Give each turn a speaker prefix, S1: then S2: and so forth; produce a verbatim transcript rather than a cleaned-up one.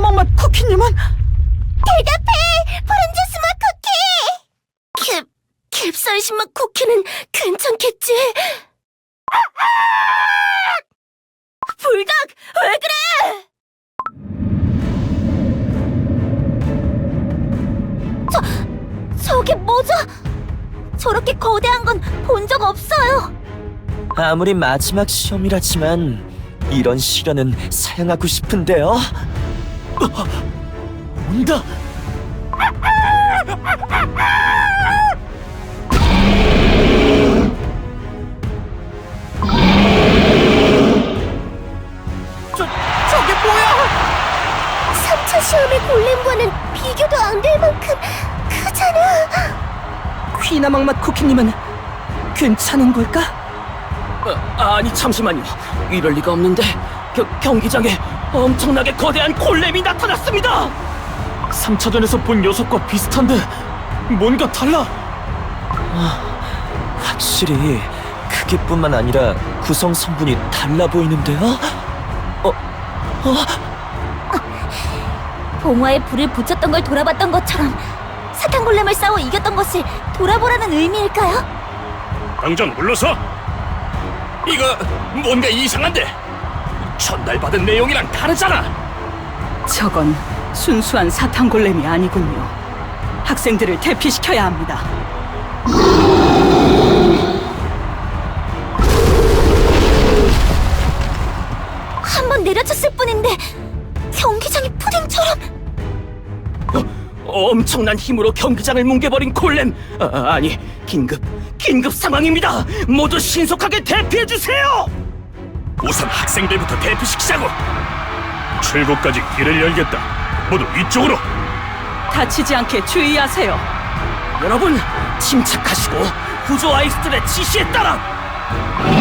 S1: 퀴나먹 맛 쿠키님은?
S2: 대답해! 푸른 주스 맛 쿠키! 캡, 캡사이신 맛 쿠키는 괜찮겠지? 불닭! 왜 그래! 저, 저게 뭐죠? 저렇게 거대한 건 본 적 없어요!
S3: 아무리 마지막 시험이라지만 이런 시련은 사양하고 싶은데요. 어, 온다.
S1: 저, 저게 뭐야?
S2: 삼 차 시험의 골렘과는 비교도 안 될 만큼 크잖아!
S1: 퀴나먹 맛 쿠키님은 괜찮은 걸까?
S4: 아, 아니 잠시만요. 이럴 리가 없는데 겨, 경기장에 엄청나게 거대한 골렘이 나타났습니다.
S5: 삼 차전에서 본 녀석과 비슷한데 뭔가 달라.
S3: 확실히 크기뿐만 아니라 구성 성분이 달라 보이는데요. 어, 어,
S2: 봉화에 불을 붙였던 걸 돌아봤던 것처럼 사탕 골렘을 싸워 이겼던 것을 돌아보라는 의미일까요?
S5: 당장 물러서.
S4: 이거 뭔가 이상한데 전달받은 내용이랑 다르잖아.
S6: 저건 순수한 사탕골렘이 아니군요. 학생들을 대피시켜야 합니다.
S2: 한 번 내려쳤을 뿐인데 경기장이 푸딩처럼.
S4: 엄청난 힘으로 경기장을 뭉개버린 골렘. 아, 아니 긴급 긴급 상황입니다. 모두 신속하게 대피해주세요.
S5: 우선 학생들부터 대피시키자고. 출구까지 길을 열겠다. 모두 이쪽으로.
S6: 다치지 않게 주의하세요.
S4: 여러분 침착하시고 구조 아이스들의 지시에 따라